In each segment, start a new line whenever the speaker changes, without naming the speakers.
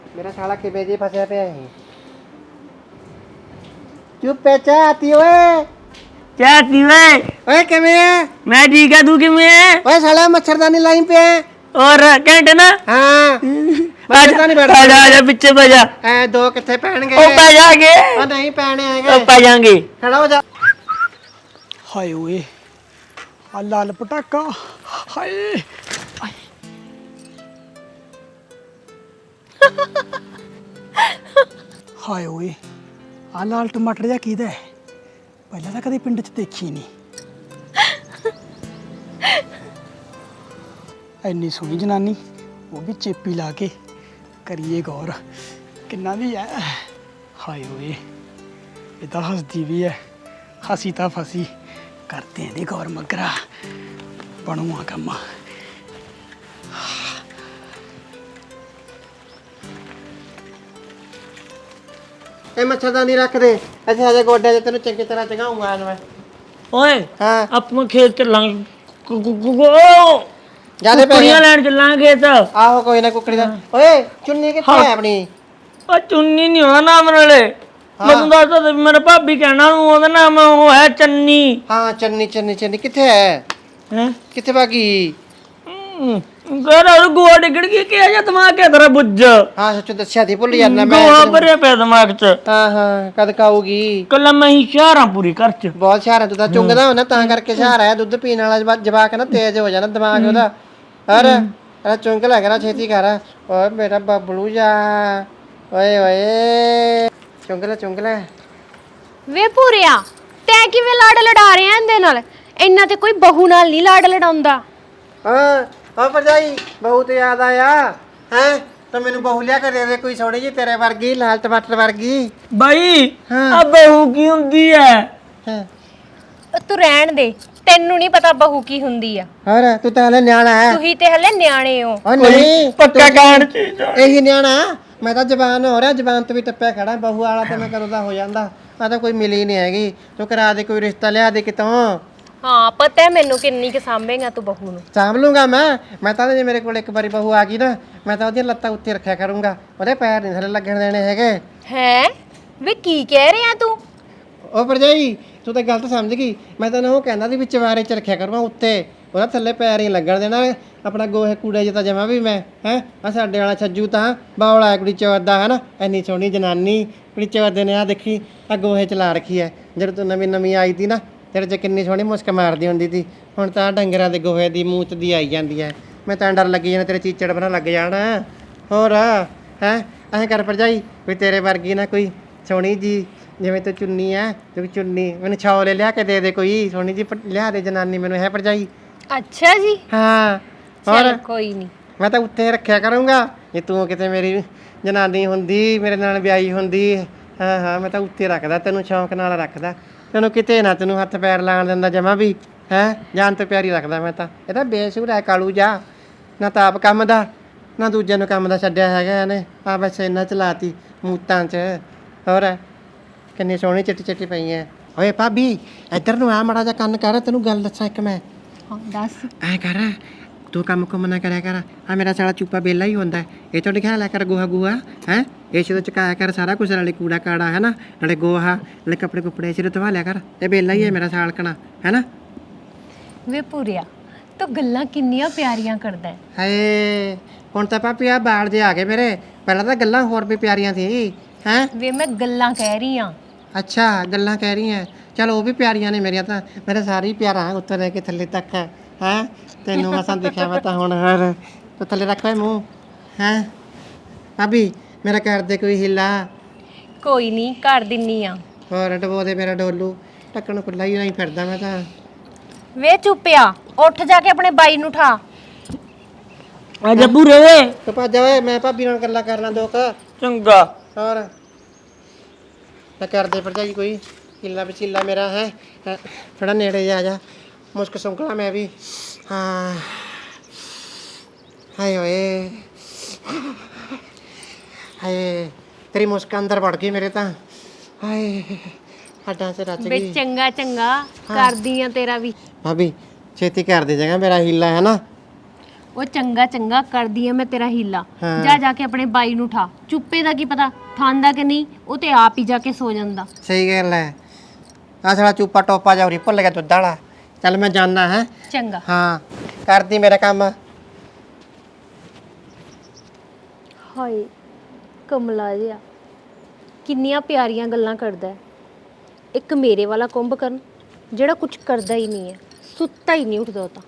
मेरा साला किबे जी फंसे पे है। चुप पे चाहती ओए।
क्या वे?
ओए किਵੇਂ है?
मैं ठीक है, तू किਵੇਂ है?
ओए साला मच्छरदानी लाइन पे है।
और घंटे ना
हाँ मच्छरदानी बैठ
आजा आजा पीछे पै जा।
ए दो किथे पहनगे?
ओ पै जागे।
ओ नहीं पहने
ओ
हैगे।
पै जाएंगे।
खड़ा हो जा।
ਹਾਏ ਓਏ ਆ ਲਾਲ ਪਟਾਕਾ ਹਾਏ ਹਾਏ ਓਏ ਆ ਲਾਲ ਟਮਾਟਰ ਜਿਹਾ ਕਿਹਦਾ ਹੈ? ਪਹਿਲਾਂ ਤਾਂ ਕਦੇ ਪਿੰਡ 'ਚ ਦੇਖੀ ਨਹੀਂ। ਇੰਨੀ ਸੋਹਣੀ ਜਨਾਨੀ ਉਹ ਵੀ ਚੇਪੀ ਲਾ ਕੇ ਕਰੀਏ ਗੌਰ ਕਿੰਨਾ ਦੀ ਹੈ। ਹਾਏ ਓਏ ਇਹ ਤਾਂ ਹੱਸਦੀ ਵੀ ਹੈ। ਹੱਸੀ ਤਾਂ ਫਸੀ करते हैं गौर मगरा बनूआ कम
ए मच्छरदानी रख दे। अच्छा अजे गोडे ते तेनु चंगी तरह चगाऊंगा आज मैं।
ओए
हाँ
ਆਪਾਂ ਖੇਤ ਚੱਲਾਂਗੇ।
जादे पे
ਕੁੜੀਆਂ ਲੈਣ ਚੱਲਾਂਗੇ ਖੇਤ।
आहो कोई ना कुकड़ी दा। ओए चुन्नी किथे है अपनी?
ਉਹ ਚੁੰਨੀ ਨਹੀਂ ਉਹਦਾ ਨਾਮ ਨਾਲੇ ਮੈਨੂੰ ਦੱਸਦਾ ਤੇ ਮੇਰੇ ਭਾਬੀ ਕਹਿਣਾ ਨੂੰ ਉਹਦਾ ਨਾਮ ਉਹ ਹੈ ਚੰਨੀ।
हाँ चन्नी चन्नी चन्नी किथे है?
ਹੈ
किथे भागी?
ਘਰ ਉਹ ਗੋਆ ਡਿੱਗੜ ਗਈ ਕਿ ਆ ਦਿਮਾਗ ਹੈ ਤੇਰਾ ਬੁੱਝ।
हाँ सच दस्या थी भूल जाना मैं।
ਗੋਆ ਭਰਿਆ ਪਿਆ ਦਿਮਾਗ 'ਚ।
हाँ हाँ कद खाऊगी?
ਕੱਲਾ ਮੈਂ ਹੀ ਸ਼ਹਿਰਾਂ ਪੂਰੀ ਘਰ 'ਚ।
बहुत शहर है तू तो चुंगदा हो ना ता करके शहर है। दूध पीने वाला जवाक है ना तेज हो जाना दिमाग ओदा। अरे अरे चुंग ला करा छेती कर। ओए मेरा बबलू जा। ओए ओए ਚੁੰਗ ਲੈ
ਵੇ ਪੂਰਿਆ ਤੈਂ ਕਿਵੇਂ ਲਾੜ ਲੜਾ ਰਿਹਾ ਇਹਦੇ ਨਾਲ? ਇੰਨਾ ਤੇ ਕੋਈ ਬਹੂ ਨਾਲ ਨਹੀਂ ਲਾੜ ਲੜਾਉਂਦਾ।
ਹਾਂ ਭਰਜਾਈ ਬਹੁਤ ਯਾਦ ਆਇਆ ਹੈ ਤਾਂ ਮੈਨੂੰ ਬਹੂ ਲਿਆ ਕੇ ਦੇ ਦੇ ਕੋਈ ਸੋਹਣੀ ਜੀ ਤੇਰੇ ਵਰਗੀ ਲਾਲ ਟਮਾਟਰ ਵਰਗੀ।
ਬਾਈ ਆ ਬਹੂ ਕੀ ਹੁੰਦੀ ਹੈ?
ਤੂੰ ਰਹਿਣ ਦੇ, ਤੈਨੂੰ ਨਹੀਂ ਪਤਾ ਬਹੂ ਕੀ ਹੁੰਦੀ ਆ।
ਹੋਰ ਤੂੰ ਤਾਂ ਹਲੇ ਨਿਆਣਾ ਹੈ।
ਤੁਸੀਂ ਤੇ ਹਲੇ ਨਿਆਣੇ ਹੋ।
ਓ ਨਹੀਂ
ਪੱਕਾ ਕਾਂਡ ਚਾਹੀਦਾ।
ਇਹੀ ਨਿਆਣਾ ਮੈਂ ਤਾਂ ਜਵਾਨ ਹੋ ਰਿਹਾ। ਜਵਾਨ ਤੋਂ ਵੀ ਟੱਪਿਆ ਖੜਾ। ਬਹੂ ਵਾਲਾ ਤੇ ਮੈਂ ਕਦੋਂ ਦਾ ਹੋ ਜਾਂਦਾ। ਆ ਤਾਂ ਕੋਈ ਮਿਲੀ ਨਹੀਂ ਹੈਗੀ। ਤੂੰ ਕਰਾ ਦੇ ਕੋਈ ਰਿਸ਼ਤਾ ਲਿਆ ਦੇ ਕਿਤੋਂ।
ਹਾਂ ਪਤਾ ਹੈ ਮੈਨੂੰ ਕਿੰਨੀ ਕਿ ਸਾਂਭੇਗਾ ਤੂੰ ਬਹੂ ਨੂੰ।
ਸਾਂਭ ਲੂੰਗਾ ਮੈਂ ਤਾਂ ਜੇ ਮੇਰੇ ਕੋਲ ਇੱਕ ਵਾਰੀ ਬਹੂ ਆ ਗਈ ਨਾ ਮੈਂ ਤਾਂ ਉਹਦੀਆਂ ਲੱਤਾਂ ਉੱਤੇ ਰੱਖਿਆ ਕਰੂੰਗਾ। ਉਹਦੇ ਪੈਰ ਨਹੀਂ ਥੱਲੇ ਲੱਗਣ ਦੇਣੇ ਹੈਗੇ।
ਹੈ ਵੇ ਕੀ ਕਹਿ ਰਿਹਾ ਤੂੰ?
ਉਹ ਭਰਜਾਈ ਤੂੰ ਤਾਂ ਗਲਤ ਸਮਝ ਗਈ। ਮੈਂ ਤਾਂ ਉਹ ਕਹਿੰਦਾ ਸੀ ਵੀ ਚਵਾਰੇ 'ਚ ਰੱਖਿਆ ਕਰੂੰਗਾ ਉੱਤੇ। ਉਹਦਾ ਥੱਲੇ ਪੈਰ ਨਹੀਂ ਲੱਗਣ ਦੇਣਾ। ਆਪਣਾ ਗੋਹੇ ਕੂੜੇ 'ਚ ਤਾਂ ਜਮਾ ਵੀ ਮੈਂ ਹੈ ਆ ਸਾਡੇ ਵਾਲਾ ਛੱਜੂ ਤਾਂ ਬੌਲਾ ਕੁੜੀ ਚੌਦਾ ਹੈ ਨਾ। ਇੰਨੀ ਸੋਹਣੀ ਜਨਾਨੀ ਕੁੜੀ ਚੌਦੇ ਨੇ ਆ ਦੇਖੀ ਆ ਗੋਹੇ 'ਚ ਲਾ ਰੱਖੀ ਹੈ। ਜਦੋਂ ਤੂੰ ਨਵੀਂ ਨਵੀਂ ਆਈ ਤੀ ਨਾ ਤੇਰੇ 'ਚ ਕਿੰਨੀ ਸੋਹਣੀ ਮੁਸਕ ਮਾਰਦੀ ਹੁੰਦੀ ਸੀ। ਹੁਣ ਤਾਂ ਡੰਗਰਾਂ ਦੇ ਗੋਹੇ ਦੀ ਮੂਤ ਦੀ ਆਈ ਜਾਂਦੀ ਹੈ। ਮੈਂ ਤਾਂ ਡਰ ਲੱਗੀ ਜਾਣਾ ਤੇਰੇ ਚੀਚੜ ਬਣਾ ਲੱਗ ਜਾਣਾ। ਹੋਰ ਹੈ ਐਂ ਕਰ ਭਰਜਾਈ ਵੀ ਤੇਰੇ ਵਰਗੀ ਨਾ ਕੋਈ ਸੋਹਣੀ ਜੀ ਜਿਵੇਂ ਤੂੰ ਚੁੰਨੀ ਐ ਤੂੰ ਚੁੰਨੀ ਮੈਨੂੰ ਛੌਲੇ ਲਿਆ ਕੇ ਦੇ ਦੇ ਕੋਈ ਸੋਹਣੀ ਜੀ ਲਿਆ ਦੇ ਜਨਾਨੀ ਮੈਨੂੰ ਹੈ ਭਰਜਾਈ।
ਅੱਛਾ ਜੀ
ਹਾਂ
ਚਲ ਕੋਈ ਨਹੀਂ
ਮੈਂ ਤਾਂ ਉੱਤੇ ਰੱਖਿਆ ਕਰੂੰਗਾ। ਜੇ ਤੂੰ ਕਿਤੇ ਮੇਰੀ ਜਨਾਨੀ ਹੁੰਦੀ ਮੇਰੇ ਨਾਲ ਵਿਆਹੀ ਹੁੰਦੀ ਹਾਂ ਮੈਂ ਤਾਂ ਉੱਤੇ ਰੱਖਦਾ ਤੈਨੂੰ ਸ਼ੌਂਕ ਨਾਲ ਰੱਖਦਾ। ਤੈਨੂੰ ਕਿਤੇ ਨਾ ਤੈਨੂੰ ਹੱਥ ਪੈਰ ਲਾਣ ਦਿੰਦਾ ਜਮਾ ਵੀ ਹੈ ਜਾਨ ਤੋਂ ਪਿਆਰੀ ਰੱਖਦਾ ਮੈਂ ਤਾਂ। ਇਹ ਤਾਂ ਬੇਸੂਰ ਹੈ ਕਾਲੂ ਜਾ ਨਾ ਤਾਂ ਆਪ ਕੰਮ ਦਾ ਨਾ ਦੂਜਿਆਂ ਨੂੰ ਕੰਮ ਦਾ ਛੱਡਿਆ ਹੈਗਾ ਇਹਨੇ। ਆ ਬਸ ਇੰਨਾ ਚਲਾਤੀ ਮੂਤਾਂ 'ਚ। ਹੋਰ ਕਿੰਨੀ ਸੋਹਣੀ ਚਿੱਟੀ ਚਿੱਟੀ ਪਈ ਐ। ਓਏ ਭਾਬੀ ਇੱਧਰ ਨੂੰ ਆ ਮਾੜਾ ਜਿਹਾ ਕੰਨ ਕਰ। ਤੈਨੂੰ ਗੱਲ ਦੱਸਾਂ ਇੱਕ ਮੈਂ।
ਹਾਂ ਦੱਸ।
ਐ ਕਰ ਤੂੰ ਕੰਮ ਕੁੰਮ ਨਾ ਕਰਿਆ ਕਰ। ਆ ਮੇਰਾ ਸਾਲਾ ਚੂਪਾ ਬੇਲਾ ਹੀ ਹੁੰਦਾ। ਇਹ ਤੋਂ ਲਿਖਿਆ ਲਿਆ ਕਰ ਗੋਹਾ ਗੂਹਾ ਹੈ। ਇਸ ਤੋਂ ਚਕਾਇਆ ਕਰ ਸਾਰਾ ਕੁਝ ਨਾਲੇ ਕੂੜਾ ਕਾੜਾ ਹੈ ਨਾ ਨਾਲੇ ਗੋਹਾ ਨਾਲੇ ਕੱਪੜੇ ਕੁੱਪੜੇ ਸਿਰ ਧਵਾ ਲਿਆ ਕਰ। ਇਹ ਬੇਲਾ ਹੀ ਹੈ ਮੇਰਾ ਸਾਲਕਣਾ ਹੈ ਨਾ।
ਵੇ ਪੂਰਿਆ ਤੂੰ ਗੱਲਾਂ ਕਿੰਨੀਆਂ ਪਿਆਰੀਆਂ ਕਰਦਾ ਹੈ।
ਹਾਏ ਹੁਣ ਤਾਂ ਭਾਬੀ ਆ ਬਾਲ ਜੇ ਆ ਗਏ ਮੇਰੇ। ਪਹਿਲਾਂ ਤਾਂ ਗੱਲਾਂ ਹੋਰ ਵੀ ਪਿਆਰੀਆਂ ਸੀ ਹੈ।
ਵੇ ਮੈਂ ਗੱਲਾਂ ਕਹਿ ਰਹੀ ਆ।
ਅੱਛਾ ਗੱਲਾਂ ਕਹਿ ਰਹੀ ਹੈ। ਚਲ ਉਹ ਵੀ ਪਿਆਰੀਆਂ ਨੇ ਮੇਰੀਆਂ ਤਾਂ। ਮੇਰੇ ਸਾਰੇ ਹੀ ਪਿਆਰਾ ਉੱਤੋਂ ਲੈ ਕੇ ਥੱਲੇ ਤੱਕ ਹੈ। ਤੈਨੂੰ ਮਸਾਂ ਦੇਖਿਆ ਮੈਂ ਤਾਂ ਹੁਣ ਹਰ ਤੂੰ ਥੱਲੇ ਰੱਖ ਲੈ ਮੂੰਹ ਹੈ। ਭਾਬੀ ਮੇਰਾ ਕਰ ਦੇ ਕੋਈ ਹਿੱਲਾ।
ਕੋਈ ਨਹੀਂ ਕਰ ਦਿੰਨੀ ਆ।
ਹੋਰ ਡਬੋ ਦੇ ਮੇਰਾ ਡੋਲੂ ਢੱਕਣ ਖੁੱਲਾ ਹੀ ਨਹੀਂ ਫਿਰਦਾ ਮੈਂ ਤਾਂ।
ਵੇ ਚੁੱਪਿਆ ਉੱਠ ਜਾ ਕੇ ਆਪਣੇ ਬਾਈ ਨੂੰ ਠਾ।
ਆਜਾ ਪੂਰੇ ਵੇ।
ਤੂੰ ਭੱਜ ਜਾ ਓਏ ਮੈਂ ਭਾਬੀ ਨਾਲ ਗੱਲਾਂ ਕਰ ਲਾਂ ਦੋ ਕੁ।
ਚੰਗਾ।
ਹੋਰ ਮੈਂ ਕਰਦੇ ਭਰਜਾਈ ਕੋਈ ਹਿੱਲਾ ਵਚੀਲਾ ਮੇਰਾ ਹੈ। ਥੋੜਾ ਨੇੜੇ ਜਾ ਜਾ ਮੁਸ਼ਕ ਸੁੰਕਲਾ ਮੈਂ ਵੀ। ਹਾਂ ਹਾਏ ਓਏ ਹਾਏ ਤੇਰੀ ਮੁਸਕ ਅੰਦਰ ਵੜ ਗਈ ਮੇਰੇ ਤਾਂ। ਹਾਏ ਹੱਡਾਂ 'ਚ ਰਚ
ਵੇ
ਗਈ।
ਚੰਗਾ ਚੰਗਾ ਕਰਦੀ ਆ ਤੇਰਾ ਵੀ।
ਭਾਬੀ ਛੇਤੀ ਕਰ ਦੇ ਜਾਗਾ ਮੇਰਾ ਹੀਲਾ ਹੈ ਨਾ।
ਉਹ ਚੰਗਾ ਚੰਗਾ ਕਰਦੀ ਆ ਮੈਂ ਤੇਰਾ ਹੀਲਾ।
ਹਾਂ।
ਜਾ ਜਾ ਕੇ ਆਪਣੇ ਬਾਈ ਨੂੰ ਠਾ। ਚੁੱਪੇ ਦਾ ਕੀ ਪਤਾ ਠਾਂਦਾ ਕਿ ਨਹੀਂ, ਉਹ ਤੇ ਆਪ ਹੀ ਜਾ ਕੇ ਸੋ ਜਾਂਦਾ।
ਸਹੀ ਗੱਲ ਹੈ। ਆ ਸਾਲਾ ਚੂਪਾ ਟੋਪਾ ਜਾ ਉਰੀ ਭੁੱਲ ਗਿਆ ਦੁੱਧ ਵਾਲਾ। ਚੱਲ ਮੈਂ ਜਾਣਾ ਹੈ।
ਚੰਗਾ।
ਹਾਂ ਕਰਦੀ ਮੇਰਾ ਕੰਮ।
ਹਾਏ ਕਮਲਾ ਜਿਹਾ, ਕਿੰਨੀਆਂ ਪਿਆਰੀਆਂ ਗੱਲਾਂ ਕਰਦਾ ਹੈ। ਇੱਕ ਮੇਰੇ ਵਾਲਾ ਕੁੰਭਕਰਨ ਜਿਹੜਾ ਕੁਝ ਕਰਦਾ ਹੀ ਨਹੀਂ ਹੈ, ਸੁੱਤਾ ਹੀ ਨਹੀਂ ਉੱਠਦਾ ਉਹ ਤਾਂ।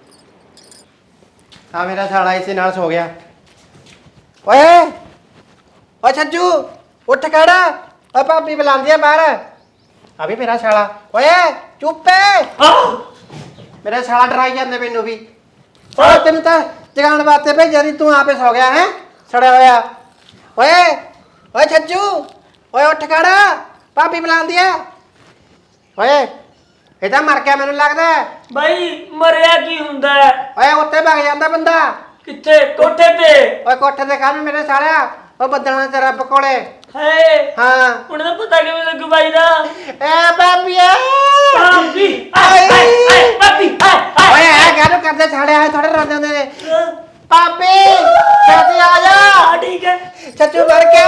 ਆ ਮੇਰਾ ਸਾਲਾ ਇਸੇ ਨਾਲ ਸੋ ਗਿਆ। ਓਏ ਓ ਛੱਜੂ ਉੱਠ ਖੜਾ। ਓ ਭਾਬੀ ਬੁਲਾਉਂਦੀ ਆ ਬਾਹਰ। ਆ ਵੀ ਮੇਰਾ ਸਾਲਾ। ਓਏ ਚੁੱਪ ਏ। ਮੇਰਾ ਸਾਲਾ ਡਰਾਈ ਜਾਂਦੇ ਮੈਨੂੰ ਵੀ। ਓ ਤੈਨੂੰ ਤਾਂ ਜਗਾਉਣ ਵਾਸਤੇ ਭੇਜਿਆ ਸੀ, ਤੂੰ ਆਪੇ ਸੌ ਗਿਆ ਹੈ ਸੜਿਆ ਹੋਇਆ। ਓਏ ਓਏ ਛੱਜੂ ਓਏ ਉੱਠ ਖੜਾ, ਭਾਬੀ ਬੁਲਾਉਂਦੀ ਆ। ਓਏ ਇਹ ਤਾਂ ਮਰ ਗਿਆ ਮੈਨੂੰ ਲੱਗਦਾ।
ਬਾਈ ਮਰਿਆ ਕੀ ਹੁੰਦਾ ਹੈ?
ਓਏ ਉੱਤੇ ਵਗ ਜਾਂਦਾ ਬੰਦਾ।
ਕਿੱਥੇ? ਕੋਠੇ ਤੇ?
ਓਏ ਕੋਠੇ ਤੇ ਕਾਹਨੂੰ ਮੇਰੇ ਸਾਲਿਆ, ਉਹ ਬੱਦਲਾਂ ਤੇ ਰੱਬ ਕੋਲੇ।
ਹਾਏ
ਹਾਂ
ਹੁਣ ਤਾਂ ਪਤਾ ਕਿਵੇਂ ਲੱਗੂ ਬਾਈ ਦਾ।
ਏ ਬਾਬੀਏ
ਭਾਬੀ ਆਏ ਆਏ ਭਾਬੀ ਆਏ
ਓਏ ਇਹ ਕਾਹਨੂੰ ਕਰਦੇ ਸਾਲਿਆ, ਥੋੜੇ ਰੋਂਦੇ ਹੁੰਦੇ ਨੇ। ਪਾਪੀ ਛੇਤੀ ਆ ਜਾ।
ਠੀਕ ਹੈ।
ਸੱਚੂ ਮਰ ਗਿਆ।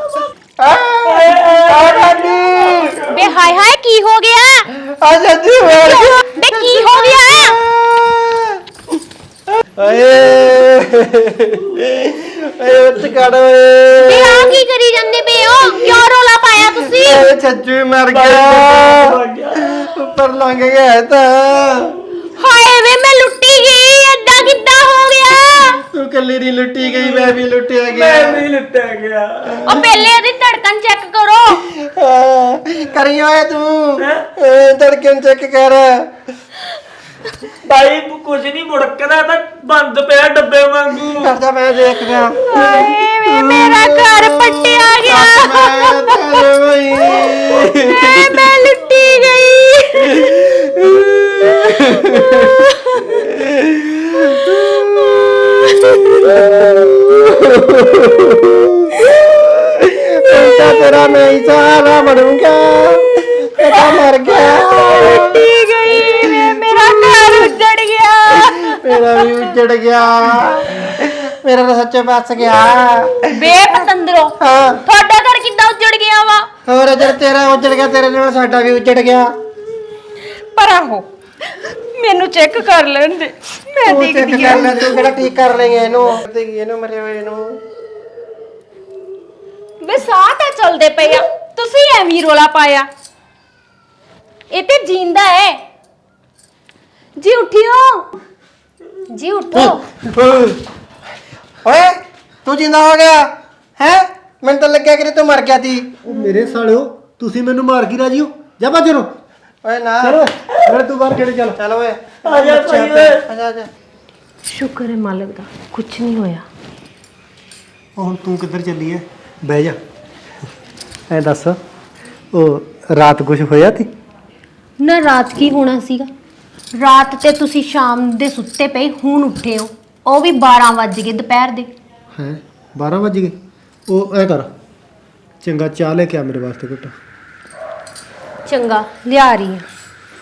ਆ ਬਾਬੀ
ਬੇ ਹਾਏ ਹਾਏ ਕੀ ਹੋ ਗਿਆ?
ਆ ਸੱਚੂ ਮਰ ਗਿਆ।
ਬੇ ਕੀ ਹੋ ਗਿਆ?
ਓਏ ਓਏ ਉੱਠ ਖੜ ਓਏ।
ਬੇ ਆ ਕੀ ਕਰੀ ਜਾਂਦੇ ਪਏ ਹੋ? ਕਿਉਂ ਰੋਲਾ ਪਾਇਆ ਤੁਸੀਂ?
ਓਏ ਛੱਜੂ ਮਰ ਗਿਆ। ਉੱਪਰ ਲੰਘ ਗਿਆ ਇਹ ਤਾਂ।
ਹਾਏ ਵੇ ਮੈਂ ਲੁੱਟੀ ਗਈ, ਏਦਾਂ ਕਿੱਦਾਂ ਹੋ ਗਿਆ?
ਤੂੰ ਕੱਲੀ ਨਹੀਂ ਲੁੱਟੀ ਗਈ, ਮੈਂ ਵੀ ਲੁੱਟਿਆ
ਮੈਂ
ਗਿਆ।
ਵੀ ਲੁੱਟਿਆ ਗਿਆ।
ਉਹ ਪਹਿਲੇ ਇਹਦੀ ਧੜਕਣ ਚੈੱਕ ਕਰੋ।
ਕਰੀ ਓਏ ਤੂੰ ਧੜਕਣ ਚੈੱਕ ਕਰ।
ਬਾਈ ਕੁਝ ਨਹੀਂ ਮੁੜਕਦਾ, ਤਾਂ ਬੰਦ ਪਿਆ ਡੱਬੇ ਵਾਂਗੂ।
ਕਰਦਾ ਮੈਂ ਦੇਖ ਗਿਆ।
ਹਾਏ ਵੇ ਮੇਰਾ ਘਰ ਪੱਟਿਆ ਗਿਆ।
ਮੈਂ ਤੇਰੇ ਬਈ
ਮੈਂ ਲੁੱਟੀ ਗਈ।
उल्टा तेरा मैं ही सहारा बनूंगा। बेटा मर गया।
लुट्टी गई वे, मेरा घर उजड़ गया।
मेरा भी उजड़ गया। मेरा तो सच्चे बस गया।
ਬੇਪਤੰਦਰੋ
हाँ
ਤੁਹਾਡਾ ਘਰ ਕਿੱਦਾਂ ਉੱਜੜ ਗਿਆ ਵਾ?
और जब तेरा उजड़ गया, तेरे नाल साडा भी उजड़ गया।
ਪਰ ਆਹੋ ਮੈਨੂੰ ਚੈੱਕ ਕਰ ਲੈਣ ਦੇ, ਮੈਂ
तू चेक
ਦੇਖਦੀ
कर
ਆ।
ले, तू केड़ा ठीक कर लेंगे इनु। देखी इनु मरे हुए इनु।
ਵੇ ਸਾਹ ਤਾਂ ਚੱਲਦੇ ਪਏ ਆ, ਤੁਸੀਂ ਐਵੇਂ ਹੀ ਰੋਲਾ ਪਾਇਆ। ਇਹ ਤੇ ਜਿੰਦਾ ਹੈ ਜੀ। ਉਠਿਓ ਜੀ, ਉਠੋ।
ओए तू जिंदा हो गया है? मैं तो लग गया कि तू मर गया थी।
ਉਹ ਮੇਰੇ ਸਾਲਿਓ ਤੁਸੀਂ ਮੈਨੂੰ ਮਾਰ ਕੇ ਰਾਜੀ ਹੋ? ਜਾ ਬਾਜਰੋ
ओए ना
ਚਲੋ ਮੇਰੇ ਤੂੰ ਬਾਹਰ ਕਿਹੜੇ ਚੱਲ।
चल ओए
ਆ ਜਾ ਭਾਈ ਓਏ।
आजा आजा।
ਸ਼ੁਕਰ ਹੈ ਮਾਲਕ ਦਾ, ਕੁਝ ਨਹੀਂ ਹੋਇਆ।
ਉਹ ਹੁਣ ਤੂੰ ਕਿੱਧਰ ਚੱਲੀ ਐ? ਬਹਿ ਜਾ। ਐ ਦੱਸ ਉਹ ਰਾਤ ਕੁਝ ਹੋਇਆ ਤੀ?
ਨਾ ਰਾਤ ਕੀ ਹੋਣਾ ਸੀਗਾ? ਰਾਤ ਤੇ ਤੁਸੀਂ ਸ਼ਾਮ ਦੇ ਸੁੱਤੇ ਪਏ, ਹੁਣ ਉੱਠੇ ਹੋ। ਉਹ ਵੀ 12 ਵੱਜ ਗਏ ਦੁਪਹਿਰ ਦੇ।
ਹੈ 12 ਵਜ ਗਏ। ਉਹ ਐ ਕਰ ਚੰਗਾ ਚਾਹ ਲੈ ਕੇ ਆ ਮੇਰੇ ਵਾਸਤੇ ਘੁੱਟ।
ਚੰਗਾ ਲਿਆ ਰਹੀ ਹਾਂ।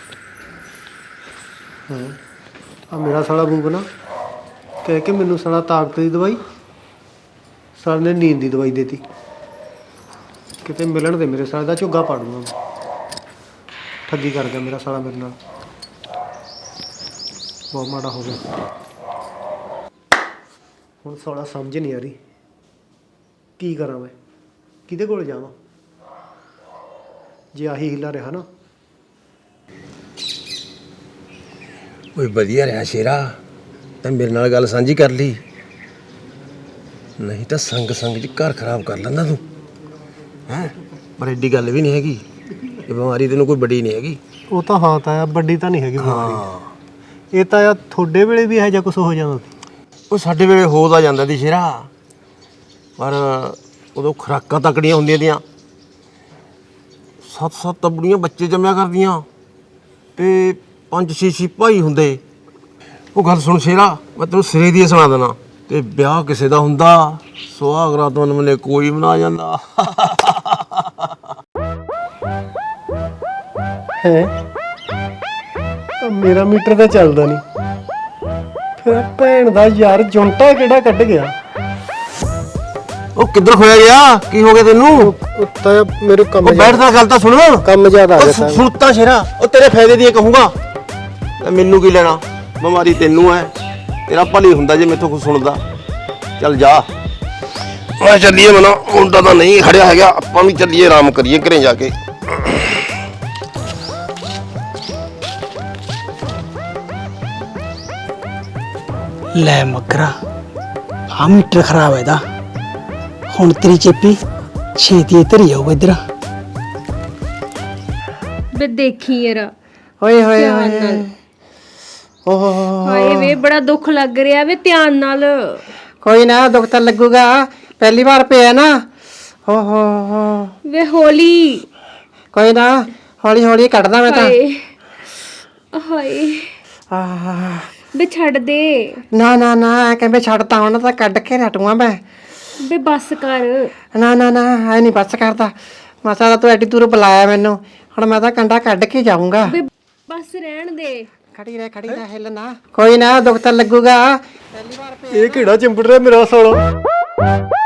ਹਾਂ ਆ ਮੇਰਾ ਸਾਲਾ ਬੂਬ ਨਾ ਕਹਿ ਕੇ ਮੈਨੂੰ ਸਾਲਾ ਤਾਕਤ ਦੀ ਦਵਾਈ, ਸਾਲੇ ਨੇ ਨੀਂਦ ਦੀ ਦਵਾਈ ਦੇਤੀ। ਕਿਤੇ ਮਿਲਣ ਦੇ ਮੇਰੇ ਸਾਲੇ ਦਾ ਝੁੱਗਾ ਪਾੜੂਗਾ ਮੈਂ। ਠੱਗੀ ਕਰ ਗਿਆ ਮੇਰਾ ਸਾਲਾ ਮੇਰੇ ਨਾਲ, ਬਹੁਤ ਮਾੜਾ ਹੋ ਗਿਆ। ਹੁਣ ਸਾਲਾ ਸਮਝ ਨਹੀਂ ਆ ਰਹੀ ਕੀ ਕਰਾਂ ਮੈਂ, ਕਿਹਦੇ ਕੋਲ ਜਾਵਾਂ? ਜੇ ਆਹੀ ਹਿੱਲਾ ਰਿਹਾ ਨਾ।
ਓਏ ਵਧੀਆ ਰਿਹਾ ਸ਼ੇਰਾ, ਤੈਂ ਮੇਰੇ ਨਾਲ ਗੱਲ ਸਾਂਝੀ ਕਰ ਲਈ, ਨਹੀਂ ਤਾਂ ਸੰਗ ਚ ਘਰ ਖਰਾਬ ਕਰ ਲੈਂਦਾ ਤੂੰ ਹੈਂ। ਪਰ ਐਡੀ ਗੱਲ ਵੀ ਨਹੀਂ ਹੈਗੀ, ਇਹ ਬਿਮਾਰੀ ਤੈਨੂੰ ਕੋਈ ਵੱਡੀ ਨਹੀਂ ਹੈਗੀ।
ਉਹ ਤਾਂ ਹਾਂ ਤਾਇਆ, ਵੱਡੀ ਤਾਂ ਨਹੀਂ ਹੈਗੀ ਬਿਮਾਰੀ।
ਹਾਂ
ਇਹ ਤਾਂ ਆ ਤੁਹਾਡੇ ਵੇਲੇ ਵੀ ਇਹੋ ਜਿਹਾ ਕੁਝ ਹੋ ਜਾਂਦਾ ਸੀ।
ਉਹ ਸਾਡੇ ਵੇਲੇ ਹੋ ਤਾਂ ਜਾਂਦਾ ਸੀ ਸ਼ੇਰਾ, ਪਰ ਉਦੋਂ ਖੁਰਾਕਾਂ ਤਕੜੀਆਂ ਹੁੰਦੀਆਂ ਦੀਆਂ, 7-7 ਤਬੜੀਆਂ ਬੱਚੇ ਜੰਮਿਆ ਕਰਦੀਆਂ ਤੇ 5-6 ਭਾਈ ਹੁੰਦੇ। ਉਹ ਗੱਲ ਸੁਣ ਸ਼ੇਰਾ, ਮੈਂ ਤੈਨੂੰ ਸਿਰੇ ਦੀ ਸੁਣਾ ਦੇਣਾ। ਤੇ ਵਿਆਹ ਕਿਸੇ ਦਾ ਹੁੰਦਾ, ਸੁਹਾਗ ਰਾਤ ਮਨੇ ਕੋਈ ਬਣਾ ਜਾਂਦਾ।
ਹੈ ਮੇਰਾ ਮੀਟਰ ਤਾਂ ਚੱਲਦਾ ਨਹੀਂ, ਫਿਰ ਭੈਣ ਦਾ ਯਾਰ ਜੁੰਟਾ ਕਿਹੜਾ ਕੱਢ ਗਿਆ?
ਉਹ ਕਿੱਧਰ ਖੋਇਆ ਗਿਆ? ਕੀ ਹੋ ਗਿਆ ਤੈਨੂੰ?
ਤਾਂ ਮੇਰੇ ਕੰਮ
ਉਹ ਬੈਠ ਤਾਂ ਗੱਲ ਤਾਂ ਸੁਣ।
ਕੰਮ ਜ਼ਿਆਦਾ ਆ ਗਿਆ
ਉਹ ਸੁਣਤਾ ਸ਼ੇਰਾ, ਉਹ ਤੇਰੇ ਫਾਇਦੇ ਦੀ ਕਹੂੰਗਾ। ਤੇ ਮੈਨੂੰ ਕੀ ਲੈਣਾ? ਬਿਮਾਰੀ ਤੈਨੂੰ ਐ, ਤੇਰਾ ਭਲੀ ਹੁੰਦਾ ਜੇ ਮੈਥੋਂ ਕੁਝ ਸੁਣਦਾ। ਚੱਲ ਜਾ, ਮੈਂ ਚੱਲੀਏ। ਮਨਾ ਮੁੰਡਾ ਤਾਂ ਨਹੀਂ ਖੜਿਆ ਹੈਗਾ, ਆਪਾਂ ਵੀ ਚੱਲੀਏ, ਆਰਾਮ ਕਰੀਏ ਘਰੇ ਜਾ ਕੇ।
ਲੈ ਮਗਰਾ, ਆ ਮੀਟਰ ਖਰਾਬ ਹੈ ਦਾ। ਹੁਣ ਤੇਰੀ ਚੇਪੀ ਛੇਤੀ ਇੱਧਰ ਹੀ ਆਊ ਇੱਧਰ।
ਬੇ ਦੇਖੀ ਯਾਰ,
ਓਏ ਹੋਏ
ਧਿਆਨ
ਹੋਏ
ਨਾਲ।
ਓਹ
ਹਾਏ ਵੇ ਬੜਾ ਦੁੱਖ ਲੱਗ ਰਿਹਾ ਵੇ, ਧਿਆਨ ਨਾਲ।
ਕੋਈ ਨਾ, ਦੁੱਖ ਤਾਂ ਲੱਗੂਗਾ, ਪਹਿਲੀ ਵਾਰ ਪਿਆ ਨਾ। ਹੋ
ਵੇ ਹੌਲੀ।
ਕੋਈ ਨਾ, ਹੌਲੀ ਹੌਲੀ ਕੱਢਦਾ ਮੈਂ ਤਾਂ।
ਹਾਏ ਹਾਏ
ਆਹ,
ਬੇ ਛੱਡ ਦੇ।
ਨਾ ਨਾ ਨਾ, ਕਹਿੰਦੇ ਛੱਡਤਾ ਹੁਣ ਤਾਂ ਕੱਢ ਕੇ ਹਟੂਆਂ ਮੈਂ।
ਬੇ ਬੱਸ ਕਰ।
ਨਾ ਨਾ ਨਾ, ਐ ਨਹੀਂ ਬੱਸ ਕਰਦਾ। ਮਸਾ ਤਾਂ ਤੂੰ ਐਡੀ ਦੂਰ ਬੁਲਾਇਆ ਮੈਨੂੰ, ਹੁਣ ਮੈਂ ਤਾਂ ਕੰਡਾ ਕੱਢ ਕੇ ਜਾਊਂਗਾ।
ਬੇ ਬੱਸ ਰਹਿਣ ਦੇ।
ਖੜੀ ਰਹਿ ਹਿੱਲ ਨਾ। ਕੋਈ ਨਾ, ਦੁੱਖ ਤਾਂ ਲੱਗੂਗਾ।
ਇਹ ਕਿਹੜਾ ਚਿੰਬੜ ਰਿਹਾ ਮੇਰਾ ਸਾਲਾ?